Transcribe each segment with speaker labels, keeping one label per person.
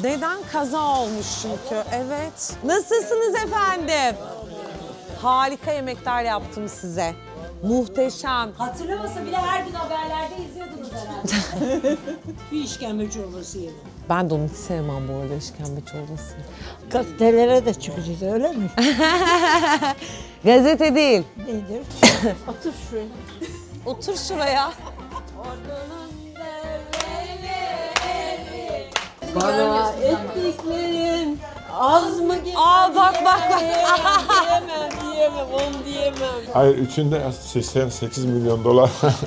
Speaker 1: Neden? Kaza olmuş çünkü. Evet. Nasılsınız efendim? Harika yemekler yaptım size. Muhteşem.
Speaker 2: Hatırlamasa bile her gün haberlerde izliyordunuz herhalde.
Speaker 3: Bir işkembe çorbası yedim.
Speaker 1: Ben de onu hiç sevmem bu arada, işkembe çorbasını.
Speaker 3: Gazetelere de çıkacağız öyle mi?
Speaker 1: Gazete değil.
Speaker 3: Nedir? Otur şuraya.
Speaker 1: Otur şuraya.
Speaker 3: Bana ettiklerin az mı gelir?
Speaker 1: Aa bak.
Speaker 3: Diyemem, onu diyemem.
Speaker 4: Hayır, üçünde 88 milyon dolar.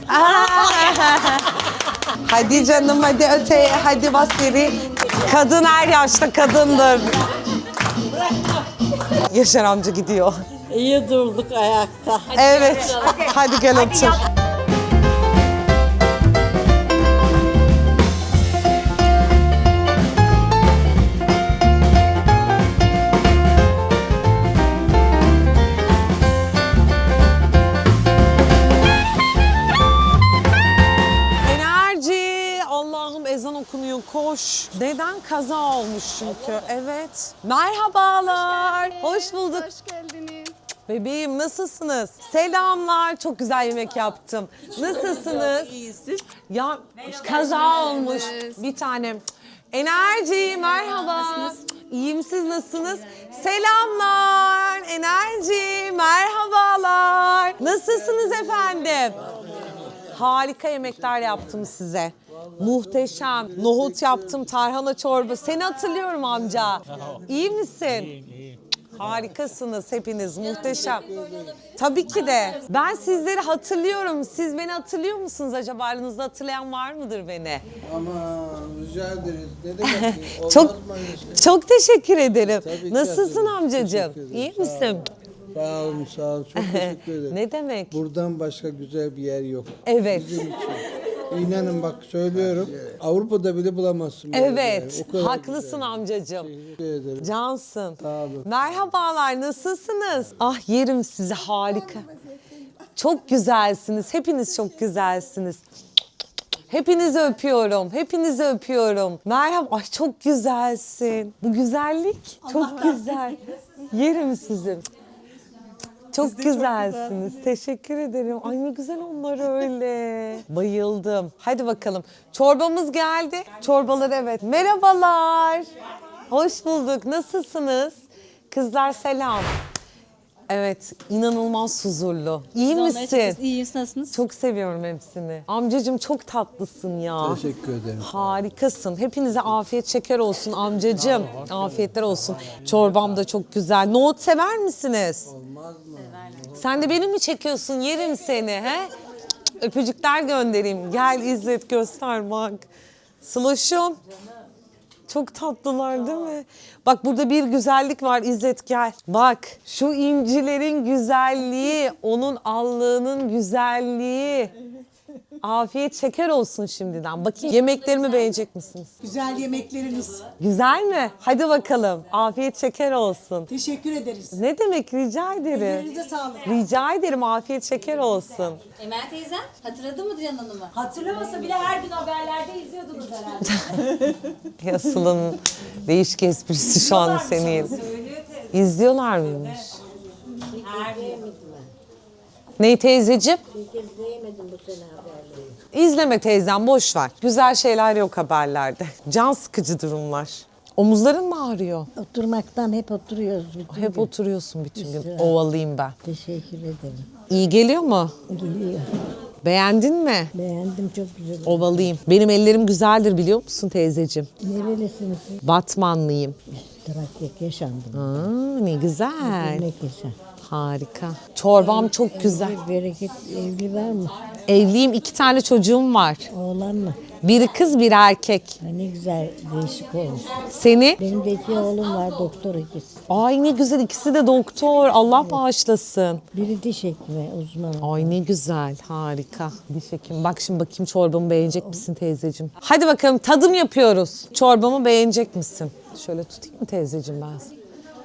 Speaker 1: Hadi canım, hadi öteye, hadi bas geri. Kadın her yaşta kadındır. Yaşar amca gidiyor.
Speaker 3: İyi durduk ayakta.
Speaker 1: Evet. Hadi gel otur. Enerji. Allah'ım ezan okunuyor, koş. Neden? Kaza olmuş çünkü. Evet. Merhabalar. Hoş bulduk.
Speaker 5: Hoş geldiniz.
Speaker 1: Bebeğim nasılsınız? Selamlar. Çok güzel yemek yaptım. Nasılsınız?
Speaker 3: İyisin.
Speaker 1: Ya kaza olmuş bir tanem. Enerji merhaba. İyiyim, siz nasılsınız? Selamlar. Enerji merhabalar. Nasılsınız efendim? Harika yemekler yaptım size. Muhteşem. Nohut yaptım, tarhana çorba. Seni hatırlıyorum amca. İyi misin? Harikasınız hepiniz, muhteşem. Tabii ki de. Ben sizleri hatırlıyorum. Siz beni hatırlıyor musunuz acaba? Aranızda hatırlayan var mıdır beni?
Speaker 6: Ama rica ederiz. Ne demek? Olmaz
Speaker 1: Çok
Speaker 6: mı öyle şey?
Speaker 1: çok teşekkür ederim.
Speaker 6: Tabii ki
Speaker 1: Nasılsın
Speaker 6: hatırlıyorum.
Speaker 1: amcacığım?
Speaker 6: Teşekkür ederim.
Speaker 1: İyi
Speaker 6: Sağ
Speaker 1: misin?
Speaker 6: Sağ olun, sağ olun. Çok teşekkür ederim.
Speaker 1: Ne demek?
Speaker 6: Buradan başka güzel bir yer yok.
Speaker 1: Evet.
Speaker 6: Bizim için. İnanın bak söylüyorum. Avrupa'da bile bulamazsın. böyle bir
Speaker 1: Evet.
Speaker 6: yer. O kadar
Speaker 1: Haklısın
Speaker 6: güzel.
Speaker 1: amcacığım.
Speaker 6: Teşekkür ederim.
Speaker 1: Cansın.
Speaker 6: Sağ olun.
Speaker 1: Merhabalar, nasılsınız? Ah yerim sizi, harika. Çok güzelsiniz. Hepiniz çok güzelsiniz. Hepinizi öpüyorum. Hepinizi öpüyorum. Merhaba. Ay çok güzelsin. Bu güzellik çok güzel. Yerim sizi. Çok güzelsiniz. Teşekkür ederim. Ay ne güzel onlar öyle. Bayıldım. Hadi bakalım. Çorbamız geldi. Çorbalar evet. Merhabalar. Hoş bulduk. Nasılsınız? Kızlar selam. Evet, inanılmaz huzurlu. İyi misin?
Speaker 2: İyiyim, nasılsınız?
Speaker 1: Çok seviyorum hepsini. Amcacığım çok tatlısın ya.
Speaker 6: Teşekkür ederim.
Speaker 1: Harikasın. Hepinize afiyet şeker olsun amcacığım. Afiyetler olsun. Çorbam da çok güzel. Nohut sever misiniz?
Speaker 6: Olmaz mı?
Speaker 1: Sen de beni mi çekiyorsun? Yerim seni he? Öpücükler göndereyim. Gel İzzet göster bak. Sloşum. Çok tatlılar değil mi? Bak burada bir güzellik var İzzet gel. Bak şu incilerin güzelliği, onun allığının güzelliği. Afiyet şeker olsun şimdiden. Bakayım yemeklerimi beğenecek misiniz?
Speaker 3: Güzel yemekleriniz.
Speaker 1: Güzel mi? Hadi bakalım. Afiyet şeker olsun.
Speaker 3: Teşekkür ederiz.
Speaker 1: Ne demek, rica ederim.
Speaker 3: Ellerinize sağlık.
Speaker 1: Rica ederim, afiyet şeker olsun.
Speaker 2: Emel teyzem hatırladın mı Dilan Hanım'ı? Hatırlamasa bile her gün haberlerde izliyordunuz herhalde.
Speaker 1: Ya Sıla'nın değişik esprisi şu an senin. İzliyorlar mıymış? Ney teyzeciğim? İzleme teyzem, boş ver. Güzel şeyler yok haberlerde. Can sıkıcı durumlar. Omuzların mı ağrıyor?
Speaker 7: Oturmaktan hep oturuyoruz bütün
Speaker 1: Hep
Speaker 7: gün.
Speaker 1: oturuyorsun bütün gün.
Speaker 7: Güzel.
Speaker 1: Ovalıyım ben.
Speaker 7: Teşekkür ederim.
Speaker 1: İyi geliyor mu?
Speaker 7: Geliyor.
Speaker 1: Beğendin mi?
Speaker 7: Beğendim, çok güzel.
Speaker 1: Ovalıyım. Benim ellerim güzeldir biliyor musun teyzeciğim?
Speaker 7: Nerelisiniz siz?
Speaker 1: Batmanlıyım.
Speaker 7: Trakya yaşandım.
Speaker 1: Aa, ne güzel.
Speaker 7: Ne yaşa.
Speaker 1: Harika. Çorbam çok güzel.
Speaker 7: Bereket evli var mı?
Speaker 1: Evliyim, 2 tane çocuğum var.
Speaker 7: Oğlan mı?
Speaker 1: Biri kız, biri erkek.
Speaker 7: Ha, ne güzel, değişik olmuş.
Speaker 1: Seni?
Speaker 7: Benim de 2 oğlum var, doktor ikisi.
Speaker 1: Ay ne güzel, ikisi de doktor. Allah bağışlasın.
Speaker 7: Biri diş hekimi uzmanı.
Speaker 1: Ay ne güzel, harika. Diş hekimi. Bak şimdi bakayım çorbamı beğenecek misin teyzeciğim? Hadi bakalım tadım yapıyoruz. Çorbamı beğenecek misin? Şöyle tutayım mı teyzeciğim ben seni?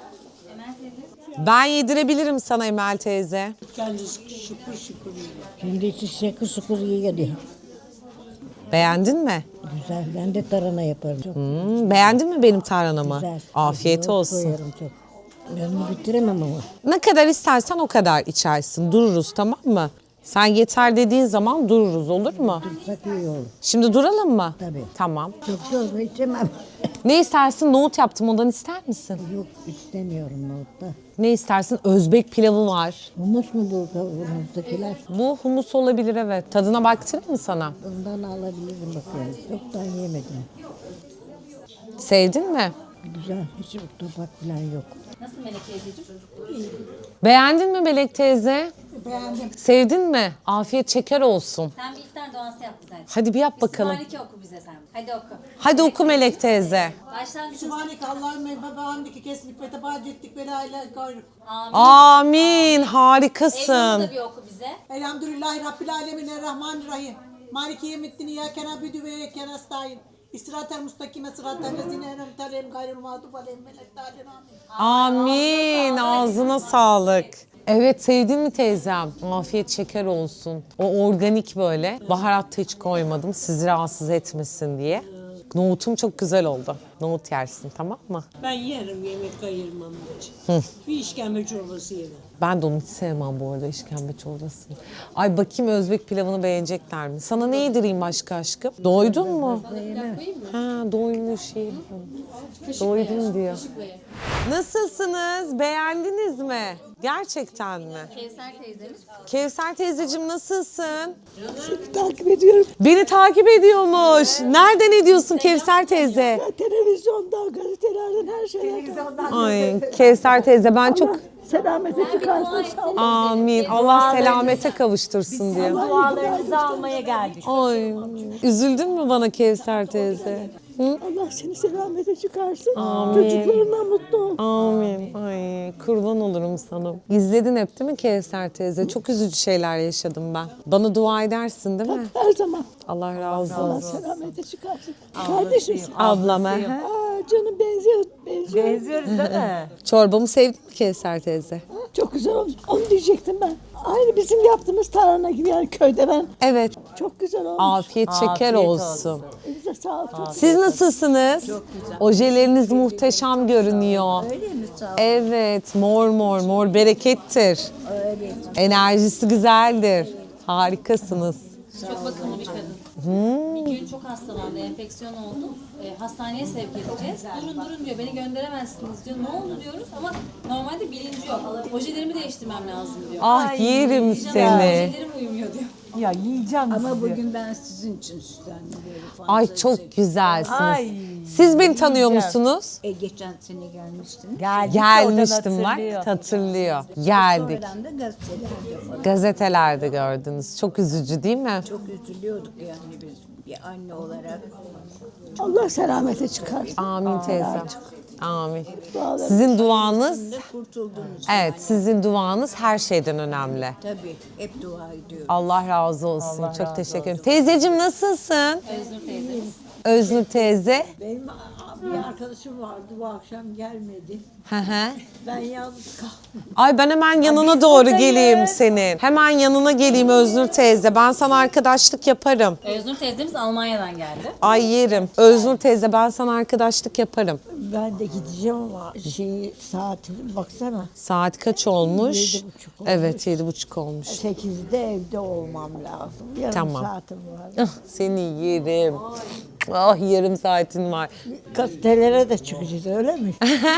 Speaker 1: Ben yedirebilirim sana Emel teyze.
Speaker 3: Kendisi şıpır şıpır yiyor.
Speaker 7: Şimdi içi şakır sukur iyi geliyor.
Speaker 1: Beğendin mi?
Speaker 7: Güzel. Ben de tarhana yaparım. Çok
Speaker 1: Beğendin mi benim tarhanamı?
Speaker 7: güzel.
Speaker 1: Afiyet
Speaker 7: Yoğurt
Speaker 1: olsun.
Speaker 7: koyarım çok. Ben onu bitiremem ama.
Speaker 1: Ne kadar istersen o kadar içersin. Dururuz, tamam mı? Sen yeter dediğin zaman dururuz, olur mu?
Speaker 7: Dursak iyi olur.
Speaker 1: Şimdi duralım mı?
Speaker 7: Tabii.
Speaker 1: Tamam.
Speaker 7: Çok yorgun içemem.
Speaker 1: Ne istersin? Nohut yaptım, ondan ister misin?
Speaker 7: Yok istemiyorum nohutta.
Speaker 1: Ne istersin? Özbek pilavı var.
Speaker 7: Humus mu bu kavurmazdakiler?
Speaker 1: Bu humus olabilir, evet. Tadına baktırayım mı sana?
Speaker 7: Ondan alabilirim bakıyorum. Çoktan yemedim.
Speaker 1: Sevdin mi?
Speaker 7: Güzel. Hiç topak falan yok.
Speaker 2: Nasıl Melek teyzeciğim?
Speaker 1: Beğendin mi Melek teyze?
Speaker 3: Beğendim.
Speaker 1: Sevdin mi? Afiyet şeker olsun.
Speaker 2: Sen bir iftar duası yap bize.
Speaker 1: Hadi bir yap bakalım.
Speaker 2: Sübhaneke oku bize sen. Hadi oku.
Speaker 1: Hadi oku Melek teyze.
Speaker 2: Başlangıç.
Speaker 3: Sübhaneke Allahümme ve bihamdike kesmik ve tebac ettik ve la ilahe gayruk.
Speaker 2: Amin.
Speaker 1: Amin.
Speaker 2: Ebru'nu
Speaker 1: Harikasın.
Speaker 2: da bir oku bize.
Speaker 3: Elhamdülillahi Rabbil alemin errahmanirrahim. Maliki yevmiddin iyyâke na'budu ve iyyâke nestaîn. İsratel mustakime sıratel lezîne en'amte aleyhim gayril mağdubi aleyhim veleddâlin amin.
Speaker 1: Amin. Ağzına sağlık. Evet, sevdin mi teyzem? Afiyet şeker olsun. O organik böyle. Baharat da hiç koymadım sizi rahatsız etmesin diye. Nohutum çok güzel oldu. Nohut yersin, tamam mı?
Speaker 5: Ben yerim, yemek ayırmam için. Bir işkembe çorbası yerim.
Speaker 1: Ben de onu hiç sevmem bu arada, işkembe çorbasını. Ay bakayım Özbek pilavını beğenecekler mi? Sana ne yedireyim başka aşkım? Doydun mu? Ha, doymuş iyi. Doydum diyor. Nasılsınız? Beğendiniz mi? Gerçekten mi?
Speaker 2: Kevser teyzemiz.
Speaker 1: Kevser teyzeciğim nasılsın?
Speaker 3: Seni takip ediyorum.
Speaker 1: Beni takip ediyormuş. Nereden ediyorsun Kevser teyze?
Speaker 3: Televizyondan, gazetelerden, her şeylerden.
Speaker 1: Ay Kevser teyze ben çok...
Speaker 3: Selamete çıkarsın.
Speaker 1: Amin. Allah selamete kavuştursun diyor.
Speaker 2: Dualarınızı almaya geldik.
Speaker 1: Ay üzüldün mü bana Kevser teyze?
Speaker 3: Allah seni selamete çıkarsın.
Speaker 1: Amin.
Speaker 3: Çocuklarına mutlu ol.
Speaker 1: Amin. Ay kurban olurum sana. İzledin hep değil mi Kevser teyze? Çok üzücü şeyler yaşadım ben. Bana dua edersin değil mi?
Speaker 3: Her zaman.
Speaker 1: Allah razı
Speaker 3: Allah
Speaker 1: olsun.
Speaker 3: selamete çıkarsın. Kardeşim.
Speaker 1: Ablama.
Speaker 3: Aa, canım benziyor.
Speaker 2: Benziyoruz değil mi?
Speaker 1: Çorbamı sevdin mi Kevser teyze?
Speaker 3: Çok güzel olmuş. Onu diyecektim ben. Aynı bizim yaptığımız tarhana gibi yani köyde ben.
Speaker 1: Evet.
Speaker 3: Çok güzel olmuş.
Speaker 1: Afiyet şeker olsun.
Speaker 3: Elinize sağlık. Çok
Speaker 1: Siz nasılsınız? Çok güzel. Ojeleriniz muhteşem görünüyor. Öyle mi? Evet, mor mor, mor berekettir. Öyle. Enerjisi güzeldir. Harikasınız.
Speaker 2: Çok bakımlı bir kadın. Bir gün çok hastalandı, enfeksiyon oldu. Hastaneye sevk edeceğiz. Durun diyor, beni gönderemezsiniz diyor. Ne oldu diyoruz ama normalde bilinci yok. Ojelerimi değiştirmem lazım diyor.
Speaker 1: Ah yerim seni.
Speaker 2: Ojelerim uyumuyor diyor.
Speaker 3: Ama bugün ben sizin için süslendim böyle falan.
Speaker 1: Ay çok güzelsiniz. Siz beni tanıyor musunuz?
Speaker 3: Geçen sene gelmiştin.
Speaker 1: Gelmiştim bak, hatırlıyor. Geldik.
Speaker 3: Ben de gazetelerde falan.
Speaker 1: Gazetelerde gördünüz. Çok üzücü değil mi?
Speaker 3: Çok üzülüyorduk yani biz bir anne olarak. Allah selamete çıkarsın.
Speaker 1: Amin teyzem. Amin. Sizin duanız,
Speaker 3: Kurtuldunuz.
Speaker 1: evet sizin duanız her şeyden önemli.
Speaker 3: Tabii hep dua ediyorum.
Speaker 1: Allah razı olsun. Çok teşekkür ederim. Teyzeciğim nasılsın?
Speaker 2: Öznur teyzemiz.
Speaker 1: Öznur teyze.
Speaker 3: Benim bir arkadaşım vardı bu akşam gelmedi.
Speaker 1: Hı hı.
Speaker 3: Ben yalnız kaldım.
Speaker 1: Ay ben hemen yanına doğru geleyim senin. Hemen yanına geleyim Öznur teyze. Ben sana arkadaşlık yaparım.
Speaker 2: Öznur teyzemiz Almanya'dan geldi.
Speaker 1: Ay yerim. Öznur teyze ben sana arkadaşlık yaparım.
Speaker 3: Ben de gideceğim ama saatine baksana.
Speaker 1: Saat kaç olmuş?
Speaker 3: 7.30 olmuş.
Speaker 1: Evet 7.30 olmuş.
Speaker 3: 8'de evde olmam lazım. Yarım
Speaker 1: Tamam.
Speaker 3: saatim var.
Speaker 1: Ah, seni yerim. Ah yarım saatin var.
Speaker 3: Gazetelere de çıkacağız öyle mi?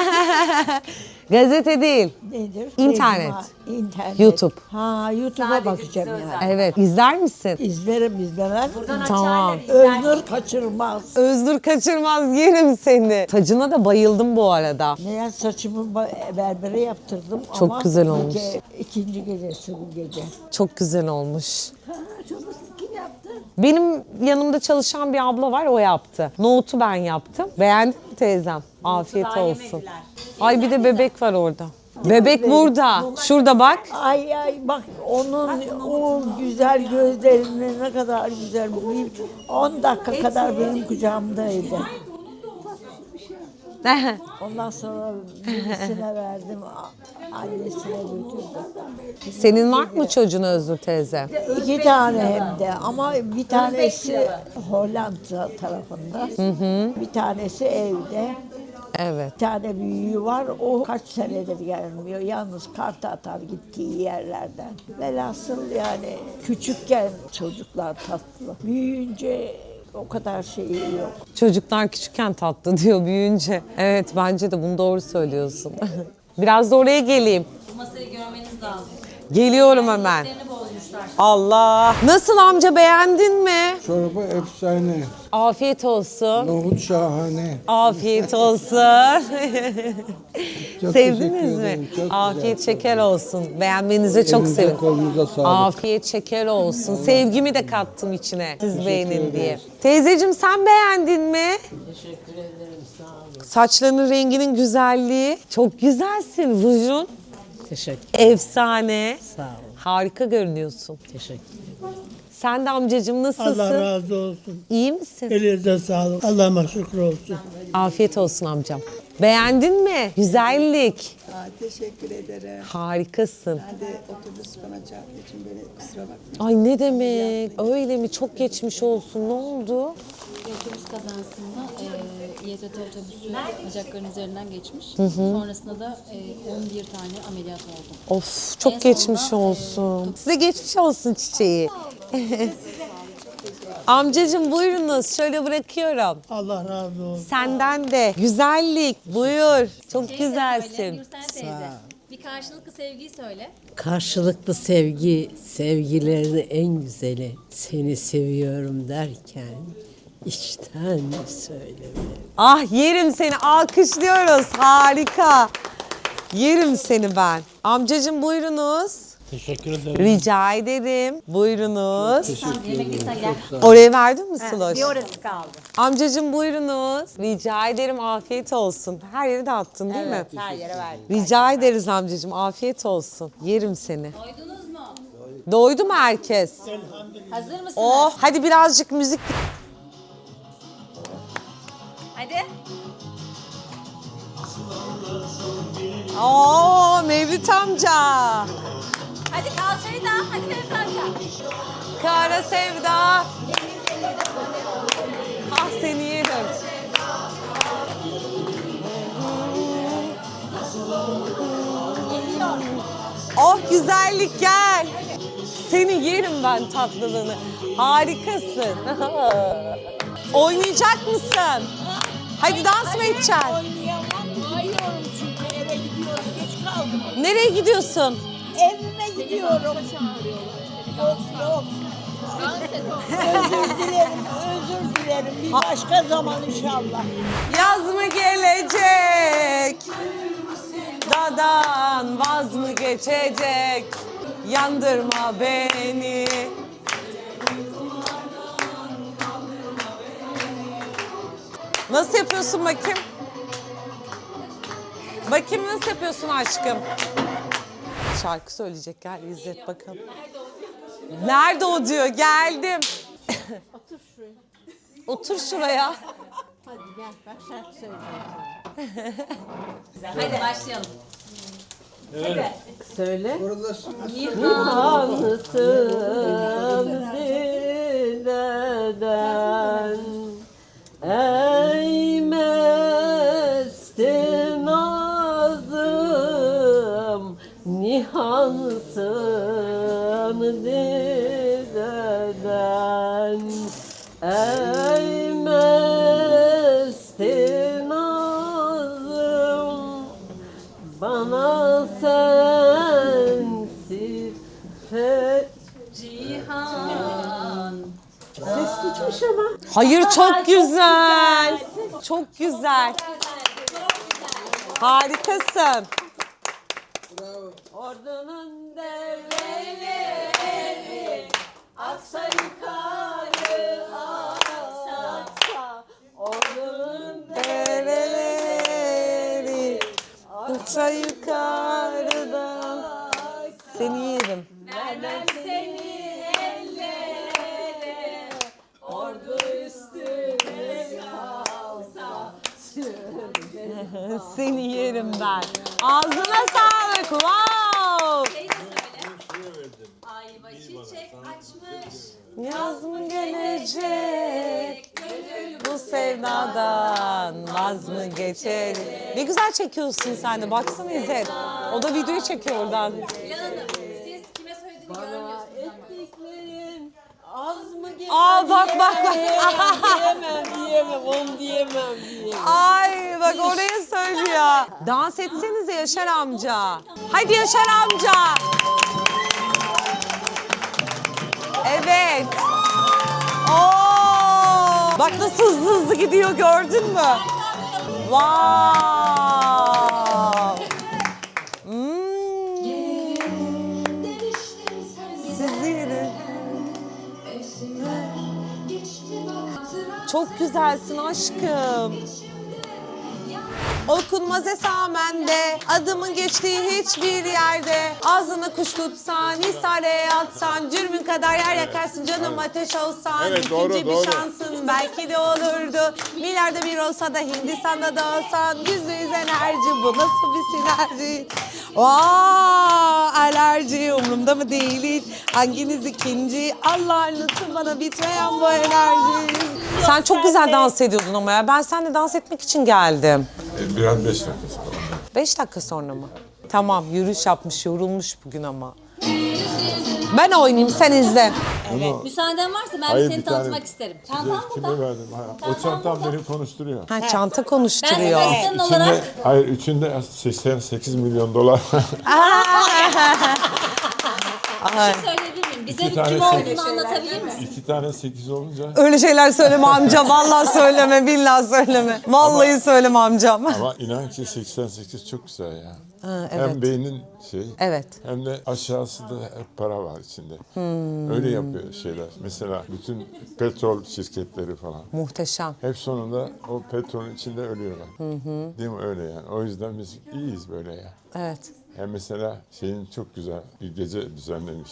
Speaker 1: Gazete değil.
Speaker 3: Nedir?
Speaker 1: İnternet.
Speaker 3: İnternet.
Speaker 1: YouTube.
Speaker 3: Ha YouTube'a bakacağım yani.
Speaker 1: Evet. İzler misin?
Speaker 3: İzlerim izlemem.
Speaker 1: Tamam.
Speaker 3: Öznur kaçırmaz.
Speaker 1: Öznur kaçırmaz yerim seni. Tacına da bayıldım bu arada.
Speaker 3: Ne saçımı berbere yaptırdım
Speaker 1: Çok
Speaker 3: ama
Speaker 1: güzel olmuş.
Speaker 3: ikinci gecesi bu gece.
Speaker 1: Çok güzel olmuş.
Speaker 3: Ha, çorbası kim yaptı?
Speaker 1: Benim yanımda çalışan bir abla var o yaptı. Nohutu ben yaptım. Beğendin mi teyzem? Afiyet olsun. Ay bir de bebek var orada. Bebek burada. Şurada bak.
Speaker 3: Ay bak onun o güzel gözlerini ne kadar güzel. 10 dakika kadar benim kucağımdaydı.
Speaker 7: Ondan sonra birisine verdim, annesine götürdüm.
Speaker 1: Senin var mı çocuğun Özgür teyze?
Speaker 7: 2 tane hem de ama bir tanesi Hollanda tarafında. Bir tanesi evde.
Speaker 1: Evet.
Speaker 7: Bir tane büyüğü var, o kaç senedir gelmiyor. Yalnız kart atar gittiği yerlerden. Velhasıl yani küçükken çocuklar tatlı. Büyüyünce o kadar şeyi yok.
Speaker 1: Çocuklar küçükken tatlı diyor büyüyünce. Evet bence de bunu doğru söylüyorsun. Biraz da oraya geleyim.
Speaker 2: Bu masayı görmeniz lazım.
Speaker 1: Geliyorum hemen.
Speaker 2: Yerini bozmuşlar.
Speaker 1: Allah. Nasıl amca, beğendin mi?
Speaker 6: Çorba efsane.
Speaker 1: Afiyet olsun.
Speaker 6: Nohut şahane.
Speaker 1: Afiyet olsun.
Speaker 6: Çok
Speaker 1: Sevdiniz
Speaker 6: teşekkür
Speaker 1: mi?
Speaker 6: ederim, çok
Speaker 1: Afiyet şeker olsun. Beğenmenize çok
Speaker 6: Elinize,
Speaker 1: sevindim.
Speaker 6: kolunuza sağlık.
Speaker 1: Afiyet şeker olsun. Sevgimi de kattım içine. Siz beğenin diye. Teyzeciğim sen beğendin mi?
Speaker 5: Teşekkür ederim, sağ olun.
Speaker 1: Saçlarının renginin güzelliği. Çok güzelsin. Rujun
Speaker 5: Teşekkür,
Speaker 1: efsane.
Speaker 5: sağ olun.
Speaker 1: Harika görünüyorsun.
Speaker 5: Teşekkür ederim.
Speaker 1: Sen de amcacığım nasılsın?
Speaker 5: Allah razı olsun.
Speaker 1: İyi misin?
Speaker 5: Elinize sağlık. Allah'ıma şükür olsun.
Speaker 1: Afiyet olsun amcam. Beğendin mi? Güzellik.
Speaker 8: Teşekkür ederim.
Speaker 1: Harikasın.
Speaker 8: Ben de otobüs bana çarptığı için beni kusura bakmayın.
Speaker 1: Ay ne demek? Öyle mi? Çok geçmiş olsun. Ne oldu?
Speaker 2: Otobüs kazasında İETT otobüsü bacakların üzerinden geçmiş. Sonrasında da 11 tane ameliyat oldum.
Speaker 1: Of çok
Speaker 2: En
Speaker 1: geçmiş
Speaker 2: sonunda,
Speaker 1: olsun. Size geçmiş olsun çiçeği. Amcacığım buyurunuz. Şöyle bırakıyorum.
Speaker 5: Allah razı olsun.
Speaker 1: Senden de güzellik. Buyur. Çok
Speaker 2: Söyle,
Speaker 1: güzelsin.
Speaker 2: Gürsel teyze. Bir karşılıklı sevgiyi söyle.
Speaker 5: Karşılıklı sevgi, sevgilerin en güzeli. Seni seviyorum derken içten söyleme.
Speaker 1: Ah yerim seni. Alkışlıyoruz. Harika. Yerim seni ben. Amcacığım buyurunuz.
Speaker 5: Teşekkür ederim.
Speaker 1: Rica ederim. Buyurunuz.
Speaker 2: Yemekten gel.
Speaker 1: Oraya verdin mi Sloş?
Speaker 2: Bir orası kaldı.
Speaker 1: Amcacığım buyurunuz. Rica ederim, afiyet olsun. Her yere dağıttın değil mi?
Speaker 2: Her yere verdim.
Speaker 1: Rica ederiz amcacığım, afiyet olsun. Yerim seni.
Speaker 2: Doydunuz mu?
Speaker 1: Doydu mu herkes?
Speaker 2: Hazır mısınız?
Speaker 1: Oh, hadi birazcık müzik.
Speaker 2: Hadi.
Speaker 1: Oo, Mevlüt amca.
Speaker 2: Hadi kalçayı da. Hadi benim kalça.
Speaker 1: Kara sevda. Ah seni yerim. Oh güzellik gel. Seni yerim ben tatlılığını. Harikasın. Oynayacak mısın? Hadi dans mı edeceksin?
Speaker 7: Ayıyorum çünkü eve gidiyorum, geç kaldım.
Speaker 1: Nereye gidiyorsun?
Speaker 7: Evime gidiyorum. Yok yok. Özür dilerim. Bir başka zaman inşallah.
Speaker 1: Yaz mı gelecek? Dadan vaz mı geçecek? Yandırma beni. Nasıl yapıyorsun bakayım? Bakayım nasıl yapıyorsun aşkım? Şarkı söyleyecek, gel İzzet bakalım. Nerede o diyor, geldim.
Speaker 7: Otur şuraya.
Speaker 1: Otur şuraya.
Speaker 7: Hadi gel bak şarkı söyleyeceğim.
Speaker 2: Hadi başlayalım.
Speaker 7: Söyle.
Speaker 6: Buradasın.
Speaker 5: Nihanlısın dileden ey mesti nazım, nihansın dileden ey mesti nazım, bana sensiz
Speaker 2: Cihan.
Speaker 5: ses gitmiş ama.
Speaker 1: Hayır çok güzel. Çok güzel. Harikasın.
Speaker 5: Ordunun devreleri aksa yukarı aksa, ordunun
Speaker 1: Dereleri uça yukarıdan. Seni yerim.
Speaker 5: vermem seni ellere, ordu üstüne kalsa sürme
Speaker 1: Seni yerim ben. Ağzına sağlık. Wow.
Speaker 2: Şey de söyle. Ay başı çiçek açmış.
Speaker 1: Yaz mı gelecek? Bu sevdadan vaz mı geçer? Ne güzel çekiyorsun sen de. Baksana İzzet. O da videoyu çekiyor oradan.
Speaker 2: Dilan Hanım, siz kime söylediğini görmüyorsunuz ama.
Speaker 5: Ettiklerin az mı gelir?
Speaker 1: Aa bak bak bak.
Speaker 5: Diyemem, onu diyemem.
Speaker 1: Ay bak oraya söylüyor. Dans etsenize Yaşar amca. Hadi Yaşar amca. Evet. Oo! Bak nasıl hızlı hızlı gidiyor gördün mü? Wow. Sizi yerim. Çok güzelsin aşkım. Okunmaz esamende, adımın geçtiği hiçbir yerde. Ağzını kuş tutsan, isareye atsan, cürmün kadar yer yakarsın, canım ateş olsan.
Speaker 4: Evet,
Speaker 1: İkinci
Speaker 4: doğru,
Speaker 1: bir
Speaker 4: doğru.
Speaker 1: şansın belki de olurdu. Milyarda bir olsa da Hindistan'da da olsan, %100 enerji, bu nasıl bir sinerji? Alerji umurumda mı değil hiç? Hanginiz ikinci? Allah'ın lütfu bana bitmeyen bu enerji. Sen çok güzel dans ediyordun ama ya. Ben seninle dans etmek için geldim.
Speaker 4: Biraz 5 dakika sonra.
Speaker 1: 5 dakika sonra mı? Tamam, yürüyüş yapmış, yorulmuş bugün ama. Ben oynayayım, sen izle.
Speaker 2: Müsaaden varsa ben
Speaker 4: Hayır,
Speaker 2: seni
Speaker 4: bir tane-
Speaker 2: tanıtmak isterim. Çantam
Speaker 4: Kime
Speaker 2: burada.
Speaker 4: verdim? O çantam beni konuşturuyor.
Speaker 1: Ha, çanta
Speaker 2: Ben
Speaker 1: konuşturuyor.
Speaker 2: senin asistanın olarak
Speaker 4: Hayır, içinde 88 milyon dolar.
Speaker 2: bir şey söyleyebilir miyim? Bize
Speaker 4: İki tane
Speaker 2: kim
Speaker 4: sekiz.
Speaker 2: olduğunu anlatabilir misin?
Speaker 4: 2 tane 8 olunca
Speaker 1: Öyle şeyler söyleme amca, vallahi söyleme, billahi söyleme. Vallahi söyleme amcam.
Speaker 4: ama inan ki 88 çok güzel ya.
Speaker 1: Ha,
Speaker 4: Hem
Speaker 1: evet.
Speaker 4: beynin
Speaker 1: Evet.
Speaker 4: hem de aşağısında hep para var içinde. Öyle yapıyor şeyler. Mesela bütün petrol şirketleri falan.
Speaker 1: Muhteşem.
Speaker 4: Hep sonunda o petrolün içinde ölüyorlar. Değil mi öyle yani? O yüzden biz iyiyiz böyle ya.
Speaker 1: Evet.
Speaker 4: Hem mesela şeyin çok güzel bir gece düzenlemiş.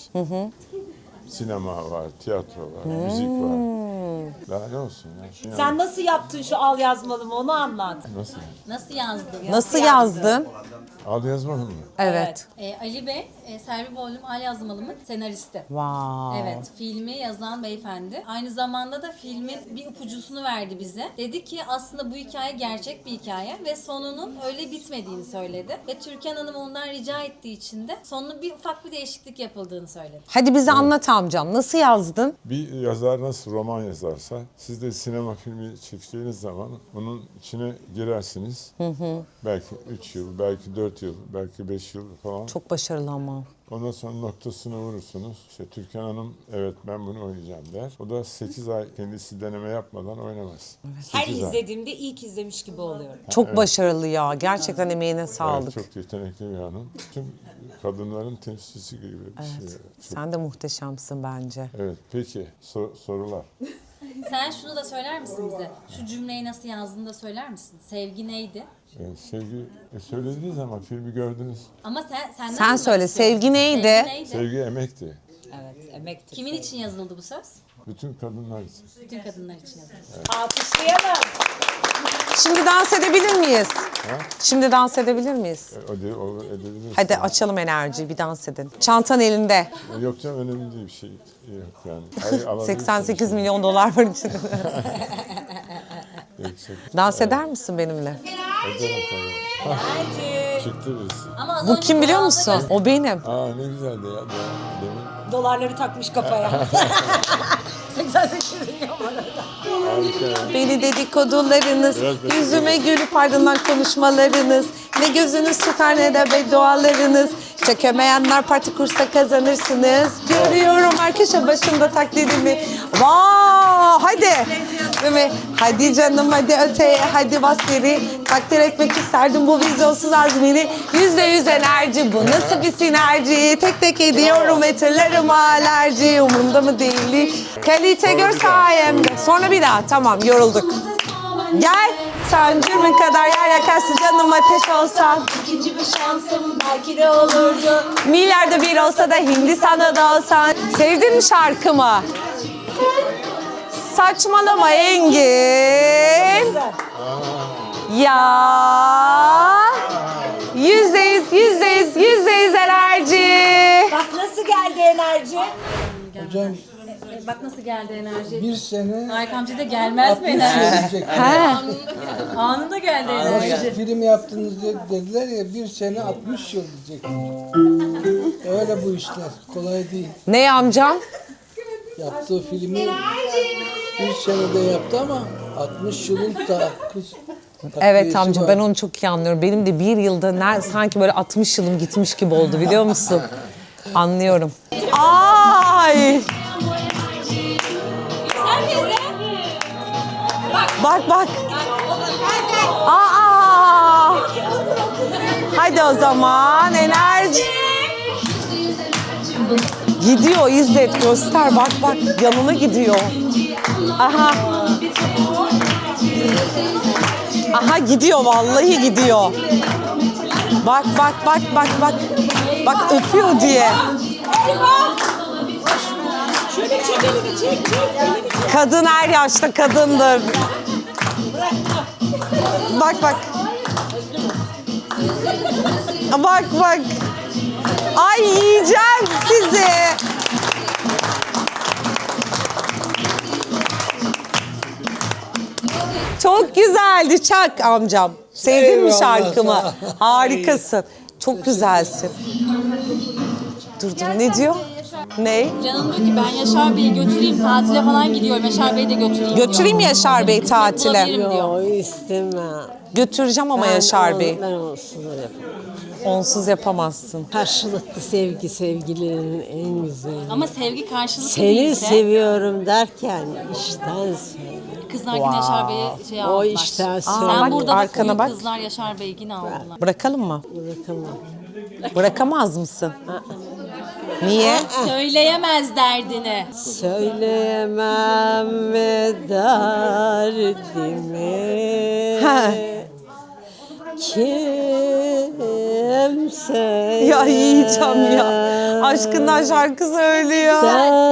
Speaker 4: Sinema var, tiyatro var, müzik var. Daha ne olsun ya?
Speaker 5: Sen nasıl yaptın şu al yazmalımı onu anlat.
Speaker 4: Nasıl?
Speaker 2: Nasıl yazdın?
Speaker 1: Nasıl yazdın?
Speaker 4: Al yazmadın mı?
Speaker 1: Evet.
Speaker 2: Ali Bey, Selvi Boylum Al Yazmalım'ın senaristi.
Speaker 1: Wow.
Speaker 2: Evet, filmi yazan beyefendi. Aynı zamanda da filmin bir ipucusunu verdi bize. Dedi ki aslında bu hikaye gerçek bir hikaye ve sonunun öyle bitmediğini söyledi. Ve Türkan Hanım ondan rica ettiği için de sonunun bir ufak bir değişiklik yapıldığını söyledi.
Speaker 1: Hadi bize anlat amcam. Nasıl yazdın?
Speaker 4: Bir yazar nasıl roman yazarsa, siz de sinema filmi çekeceğiniz zaman bunun içine girersiniz. Belki 3 yıl, belki 4 yıl, belki 5 yıl falan.
Speaker 1: Çok başarılı ama.
Speaker 4: Ondan sonra noktasını vurursunuz. İşte Türkan Hanım evet ben bunu oynayacağım der. O da 8 ay kendisi deneme yapmadan oynamaz.
Speaker 5: Her
Speaker 4: 8 ay.
Speaker 5: izlediğimde ilk izlemiş gibi oluyorum.
Speaker 1: Çok başarılı ya. Gerçekten emeğine sağlık.
Speaker 4: Evet, çok yetenekli bir hanım. Tüm kadınların temsilcisi gibi bir şey. Çok-
Speaker 1: Sen de muhteşemsin bence.
Speaker 4: Evet, peki sorular.
Speaker 2: Sen şunu da söyler misin bize? Şu cümleyi nasıl yazdığını da söyler misin? Sevgi neydi?
Speaker 4: Sevgi söylediniz ama filmi gördünüz.
Speaker 2: Ama senden
Speaker 1: Sen
Speaker 2: duymak
Speaker 1: söyle,
Speaker 2: istiyorum.
Speaker 1: sevgi neydi?
Speaker 4: Sevgi emekti.
Speaker 5: Evet, emektir.
Speaker 2: Kimin için yazıldı bu söz?
Speaker 4: Bütün kadınlar için.
Speaker 2: Bütün kadınlar için yazıldı.
Speaker 5: Alkışlayalım.
Speaker 1: Şimdi dans edebilir miyiz? Şimdi dans edebilir miyiz?
Speaker 4: O edebiliriz.
Speaker 1: Hadi açalım enerjiyi, bir dans edin. Çantan elinde.
Speaker 4: Yok canım önemli değil bir şey. Yok yani. Hayır, alabilirsiniz.
Speaker 1: 88 milyon dolar var içinde.
Speaker 4: Yüksek.
Speaker 1: Dans eder misin benimle?
Speaker 4: Ederim tabii. Çıktı biz.
Speaker 2: Ama az
Speaker 1: Bu
Speaker 2: önce
Speaker 1: kim biliyor
Speaker 2: anda
Speaker 1: musun? O benim.
Speaker 4: Aa ne güzeldi ya. Demin.
Speaker 5: Dolarları takmış kafaya. 88 milyon var orada.
Speaker 4: Harika ya.
Speaker 1: Beni dedikodularınız, yüzüme gülüp ardından konuşmalarınız, ne gözünüz tutar ne de beddualarınız. Çekemeyenler parti kursa kazanırsınız. Görüyorum her köşe başında taklidimi. Vaa hadi. Değil mi? Hadi canım hadi öteye hadi bas geri. Takdir etmek isterdim bu vizyonsuz azmini. %100 enerji bu nasıl bir sinerji. Tek tek ediyorum etirlerim alerji. Umurumda mı değil. Kalite gör sayemde. Sonra bir daha tamam yorulduk. Gel. Sen cürmün kadar yer yakarsın canım ateş olsan.
Speaker 2: İkinci bir şansım belki de olurdu.
Speaker 1: Milyarda bir olsa da Hindistan'da da olsan. Sevdin mi şarkımı? Saçmalama Engin. Ya. %100 enerji.
Speaker 5: Bak nasıl geldi enerji?
Speaker 6: Hocam
Speaker 2: Bak nasıl geldi enerji.
Speaker 6: bir sene
Speaker 2: Faik amca da gelmez mi
Speaker 6: 60 yıl
Speaker 2: enerji?
Speaker 6: diyecek.
Speaker 2: Anında geldi
Speaker 6: Nasıl
Speaker 2: enerji.
Speaker 6: film yaptınız dediler ya, bir sene 60 yıl diyecek. Öyle bu işler. Kolay değil.
Speaker 1: Ne amcam?
Speaker 6: Yaptığı filmi bir senede yaptı ama 60 yılın
Speaker 1: Evet amca ben onu çok iyi anlıyorum. Benim de bir yılda sanki böyle 60 yılım gitmiş gibi oldu biliyor musun? Anlıyorum. Ay! Bak bak. Aa! Hadi o zaman enerji. Gidiyor İzzet göster bak bak yanına gidiyor. Aha. Aha gidiyor vallahi gidiyor. Bak bak bak bak bak. Bak öpüyor diye. Kadın her yaşta kadındır. Bak bak. Bak bak. Ay yiyeceğim sizi. Çok güzeldi Çak amcam. Sevdin mi
Speaker 6: Eyvallah,
Speaker 1: şarkımı?
Speaker 6: sağ ol.
Speaker 1: Harikasın. Çok güzelsin. Dur ne diyor? Ne?
Speaker 2: Canım diyor ki ben Yaşar Bey'i götüreyim tatile falan gidiyorum. Yaşar Bey'i de götüreyim
Speaker 1: Götüreyim mi Yaşar Bey tatile?
Speaker 2: Bulabilirim diyor.
Speaker 7: istemem.
Speaker 1: Götüreceğim ama Yaşar Bey.
Speaker 7: Ben onsuz yapamam.
Speaker 1: Onsuz yapamazsın.
Speaker 7: Karşılıklı sevgi sevgilerin en güzeli.
Speaker 2: Ama sevgi karşılıklı
Speaker 7: Seni
Speaker 2: değilse
Speaker 7: seviyorum derken işten söyle.
Speaker 2: kızlar yine Yaşar Bey'e şey aldılar.
Speaker 7: işten
Speaker 2: Sen
Speaker 7: söyle.
Speaker 2: burada
Speaker 1: arkana
Speaker 2: bak,
Speaker 1: bak.
Speaker 2: kızlar Yaşar Bey'i yine aldılar.
Speaker 1: Bırakalım mı?
Speaker 7: Bırakamam.
Speaker 1: Bırakamaz mısın? Niye?
Speaker 2: Söyleyemez derdini.
Speaker 7: Söyleyemem mi derdimi
Speaker 1: Ha.
Speaker 7: kimse.
Speaker 1: Ya yiyeceğim ya. Aşkından şarkı söylüyor.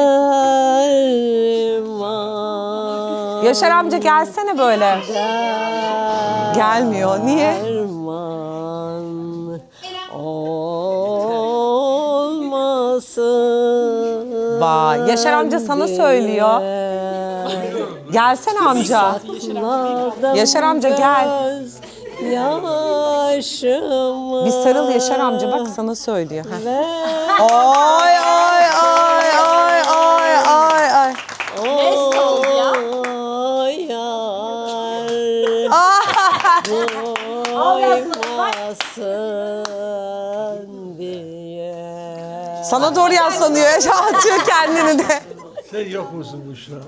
Speaker 7: Derman.
Speaker 1: Yaşar amca gelsene böyle. Gelmiyor. Niye?
Speaker 7: Derman olmasın.
Speaker 1: Vay, Yaşar amca sana söylüyor. Gelsene amca. Yaşar amca gel.
Speaker 7: Yaşımı
Speaker 1: Bir sarıl Yaşar amca bak sana söylüyor. Heh.
Speaker 7: ver.
Speaker 1: Ay ay ay ay ay ay ay.
Speaker 2: oldu ya?
Speaker 7: Doymasın diye.
Speaker 1: Sana doğru yaslanıyor. Atıyor kendini de.
Speaker 6: Sen yok musun bu şu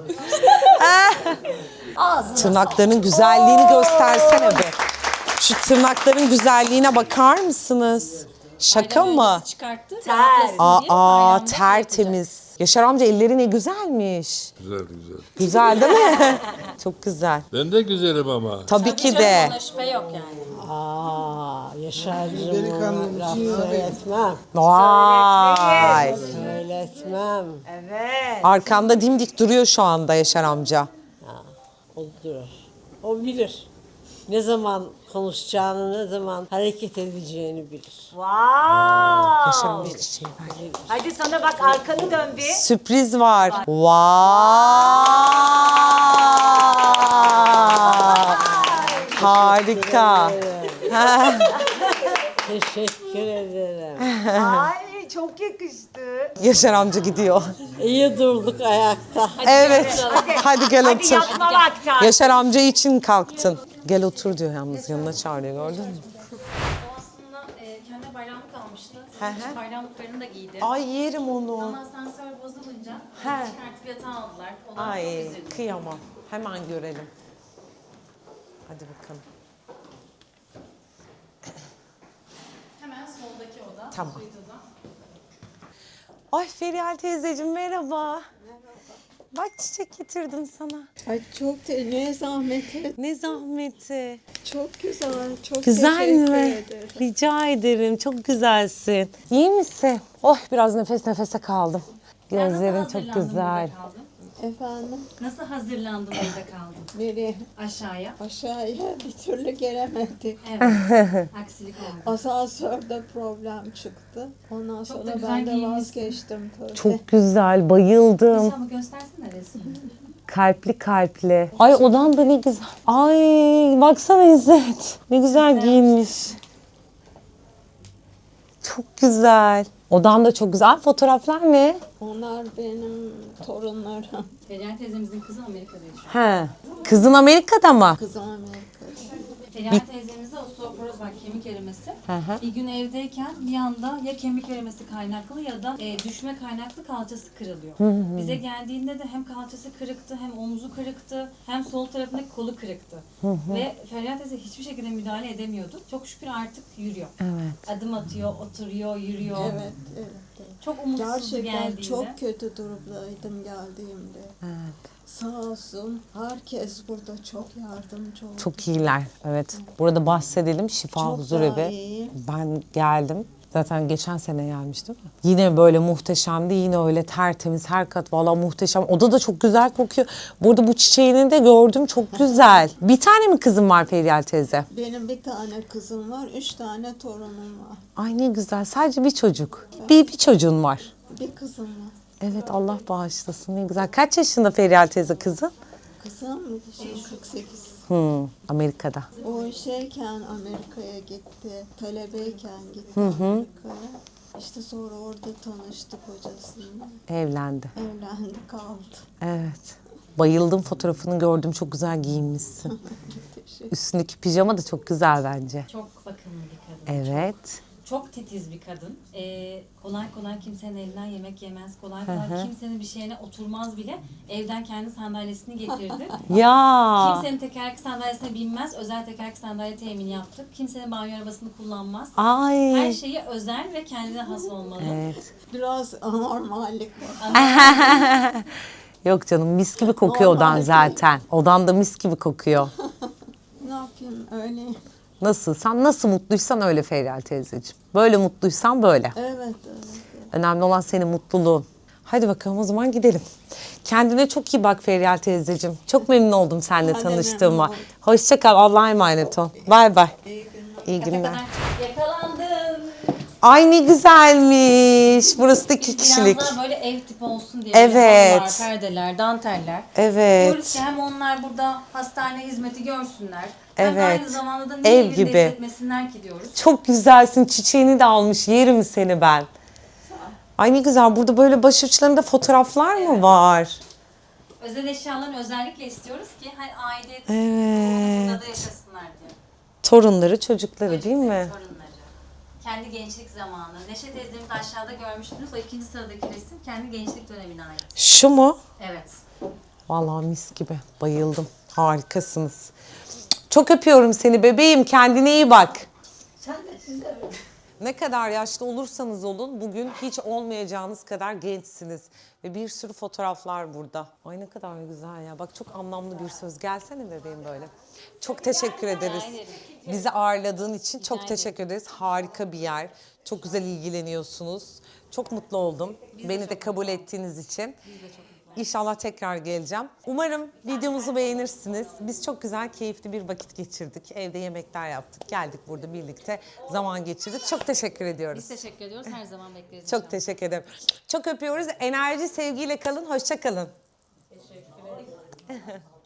Speaker 6: an?
Speaker 1: Tırnaklarının güzelliğini göstersene be. Şu tırnakların güzelliğine bakar mısınız? Şaka mı?
Speaker 2: Çıkarttı. rahatlasın diye
Speaker 1: Aa
Speaker 2: bayramda
Speaker 1: tertemiz. Yaşar amca elleri ne güzelmiş.
Speaker 4: Güzel güzel.
Speaker 1: Güzel değil mi? Çok güzel.
Speaker 4: Ben de güzelim ama.
Speaker 1: Tabii ki
Speaker 2: yapacak.
Speaker 1: de.
Speaker 2: Ona şüphe yok yani.
Speaker 7: Yaşar'cığım
Speaker 6: Delikanlım
Speaker 7: laf
Speaker 6: için
Speaker 7: söyletmem.
Speaker 1: Vay.
Speaker 7: Söyletmem.
Speaker 1: Arkanda dimdik duruyor şu anda Yaşar amca.
Speaker 7: O durur. O bilir. Ne zaman konuşacağını, ne zaman hareket edeceğini bilir.
Speaker 1: Yaşar amca çiçeği ver.
Speaker 5: Hadi sana bak arkanı dön bir.
Speaker 1: Sürpriz var. Vay. Harika.
Speaker 7: Teşekkür ederim.
Speaker 5: Ay çok yakıştı.
Speaker 1: Yaşar amca gidiyor.
Speaker 7: İyi durduk ayakta.
Speaker 1: Evet. Hadi gel
Speaker 5: Hadi
Speaker 1: otur.
Speaker 5: yatma vakti.
Speaker 1: Yaşar amca için kalktın. Gel otur diyor yalnız yanına çağırıyor gördün mü?
Speaker 2: O aslında kendi bayramlık almıştı.
Speaker 1: hı.
Speaker 2: Bayramlıklarını da giydi.
Speaker 1: Ay yerim onu.
Speaker 2: Ama asansör bozulunca
Speaker 1: He.
Speaker 2: çıkartıp yatağa aldılar. O da
Speaker 1: Ay
Speaker 2: çok üzüldü.
Speaker 1: kıyamam. Hemen görelim. Hadi bakalım.
Speaker 2: Hemen soldaki oda.
Speaker 1: Tamam.
Speaker 2: suite oda.
Speaker 1: Ay Ferihal teyzeciğim merhaba. Bak çiçek getirdim sana.
Speaker 8: Ay çok ne zahmet et.
Speaker 1: Ne zahmeti.
Speaker 8: Çok güzel. Çok
Speaker 1: Güzel
Speaker 8: teşekkür
Speaker 1: mi?
Speaker 8: ederim.
Speaker 1: Rica ederim. Çok güzelsin. İyi misin? Oh biraz nefes nefese kaldım. Gözlerin çok güzel.
Speaker 8: Efendim,
Speaker 2: Nasıl hazırlandın orada kaldın?
Speaker 8: nereye?
Speaker 2: Aşağıya.
Speaker 8: Aşağıya bir türlü gelemedik.
Speaker 2: Evet. Aksilik oldu.
Speaker 8: Asansörde problem çıktı. Ondan
Speaker 2: da
Speaker 8: sonra
Speaker 2: güzel
Speaker 8: ben de
Speaker 2: giyinmişsin.
Speaker 8: vazgeçtim tabii.
Speaker 1: Çok güzel, bayıldım.
Speaker 2: Ama göstersene resmini.
Speaker 1: Kalpli kalpli. Ay odan da ne güzel. Ay baksana İzzet. Ne güzel giyinmiş. Çok güzel. Odan da çok güzel. Fotoğraflar ne?
Speaker 8: Onlar benim torunlarım.
Speaker 2: Feriha teyzemizin kızı Amerika'da yaşıyor.
Speaker 1: He. Kızın Amerika'da mı?
Speaker 8: Kızım Amerika'da.
Speaker 2: Feriha teyzemizde osteoporoz var, kemik erimesi.
Speaker 1: hı.
Speaker 2: Bir gün evdeyken bir anda ya kemik erimesi kaynaklı ya da düşme kaynaklı kalçası kırılıyor. Bize geldiğinde de hem kalçası kırıktı, hem omuzu kırıktı, hem sol tarafındaki kolu kırıktı. Ve Feriha teyze hiçbir şekilde müdahale edemiyordu. Çok şükür artık yürüyor.
Speaker 1: Evet.
Speaker 2: Adım atıyor, oturuyor, yürüyor.
Speaker 8: Evet, evet.
Speaker 2: Çok umutsuzdu
Speaker 8: Gerçekten
Speaker 2: geldiğinde.
Speaker 8: çok kötü durumdaydım geldiğimde.
Speaker 1: Evet.
Speaker 8: Sağ olsun herkes burada çok yardımcı oldu.
Speaker 1: Çok iyiler. Evet. Burada bahsedelim. Şifa
Speaker 8: Çok
Speaker 1: Huzurevi.
Speaker 8: daha iyi.
Speaker 1: Ben geldim. Zaten geçen sene gelmiştim. Yine böyle muhteşemdi. Yine öyle tertemiz. Her kat valla muhteşem. Oda da çok güzel kokuyor. Burada bu çiçeğini de gördüm. Çok güzel. Bir tane mi kızım var Feryal teyze?
Speaker 8: Benim bir tane kızım var, 3 tane torunum var.
Speaker 1: Ay ne güzel. Sadece bir çocuk. Bir çocuğun var.
Speaker 8: Bir kızım var.
Speaker 1: Evet Allah bağışlasın. Ne güzel. Kaç yaşında Feryal teyze kızın?
Speaker 8: Kızım 48.
Speaker 1: Amerika'da.
Speaker 8: O şeyken Amerika'ya gitti, talebeyken gitti Amerika'ya. İşte sonra orada tanıştık hocasıyla.
Speaker 1: Evlendi.
Speaker 8: Evlendi kaldı.
Speaker 1: Evet. Bayıldım, fotoğrafını gördüm. Çok güzel giyinmişsin.
Speaker 8: Teşekkür.
Speaker 1: Üstündeki pijama da çok güzel bence.
Speaker 2: Çok bakımlı bir kadın.
Speaker 1: Evet.
Speaker 2: Çok titiz bir kadın. Kolay kolay kimsenin elinden yemek yemez. Kolay kolay kimsenin bir şeyine oturmaz bile. Evden kendi sandalyesini getirdi.
Speaker 1: Ya.
Speaker 2: Kimsenin tekerlekli sandalyesine binmez. Özel tekerlekli sandalye temin yaptık. Kimsenin banyo arabasını kullanmaz.
Speaker 1: Ay.
Speaker 2: Her şeyi özel ve kendine has olmalı.
Speaker 1: Evet.
Speaker 8: Biraz anormallik var.
Speaker 1: Yok canım mis gibi kokuyor odan zaten. Odan da mis gibi kokuyor.
Speaker 8: Ne yapayım öyle.
Speaker 1: Nasıl? Sen nasıl mutluysan öyle Feryal teyzeciğim. Böyle mutluysan böyle.
Speaker 8: Evet, evet.
Speaker 1: Önemli olan senin mutluluğun. Hadi bakalım o zaman gidelim. Kendine çok iyi bak Feryal teyzeciğim. Çok memnun oldum seninle
Speaker 8: Ben de
Speaker 1: tanıştığıma.
Speaker 8: memnun oldum.
Speaker 1: Hoşça kal. Allah'a emanet ol. Bay bay. İyi
Speaker 2: Ne
Speaker 1: günler.
Speaker 2: kadar yakalandın.
Speaker 1: Ay ne güzelmiş. Burası da 2 kişilik.
Speaker 2: Biraz daha böyle ev tipi olsun diye.
Speaker 1: Evet.
Speaker 2: Böyle halılar, perdeler, danteller.
Speaker 1: Evet.
Speaker 2: Diyoruz ki hem onlar burada hastane hizmeti görsünler. Hem de
Speaker 1: Evet.
Speaker 2: aynı zamanda da
Speaker 1: Ev
Speaker 2: niye evinde
Speaker 1: gibi.
Speaker 2: hissetmesinler ki diyoruz.
Speaker 1: Çok güzelsin. Çiçeğini de almış. Yerim seni ben. Ay ne güzel. Burada böyle başuçlarında fotoğraflar mı var?
Speaker 2: Özel eşyalarını özellikle istiyoruz ki hani aidiyet
Speaker 1: Evet.
Speaker 2: burada da yaşasınlar diye.
Speaker 1: Torunları, çocukları değil mi?
Speaker 2: Torunları. Kendi gençlik zamanı. Neşe teyzemizi aşağıda görmüştünüz. O ikinci sıradaki resim kendi gençlik dönemine ait.
Speaker 1: Şu mu?
Speaker 2: Evet.
Speaker 1: Vallahi mis gibi. Bayıldım. Harikasınız. Çok öpüyorum seni bebeğim. Kendine iyi bak.
Speaker 5: Sen de siz de öyle.
Speaker 1: Ne kadar yaşlı olursanız olun bugün hiç olmayacağınız kadar gençsiniz. Ve bir sürü fotoğraflar burada. Ay ne kadar güzel ya. Bak çok anlamlı bir söz. Gelsene bebeğim böyle. Çok teşekkür ederiz. Bizi ağırladığın için çok teşekkür ederiz. Harika bir yer. Çok güzel ilgileniyorsunuz. Çok mutlu oldum. Beni de kabul ettiğiniz için. İnşallah tekrar geleceğim. Umarım videomuzu beğenirsiniz. Biz çok güzel, keyifli bir vakit geçirdik. Evde yemekler yaptık. Geldik burada birlikte zaman geçirdik. Çok teşekkür ediyoruz.
Speaker 2: Biz teşekkür ediyoruz. Her zaman bekleriz.
Speaker 1: Çok teşekkür ederim. Çok öpüyoruz. Enerji, sevgiyle kalın. Hoşça kalın.
Speaker 2: Teşekkür ederim.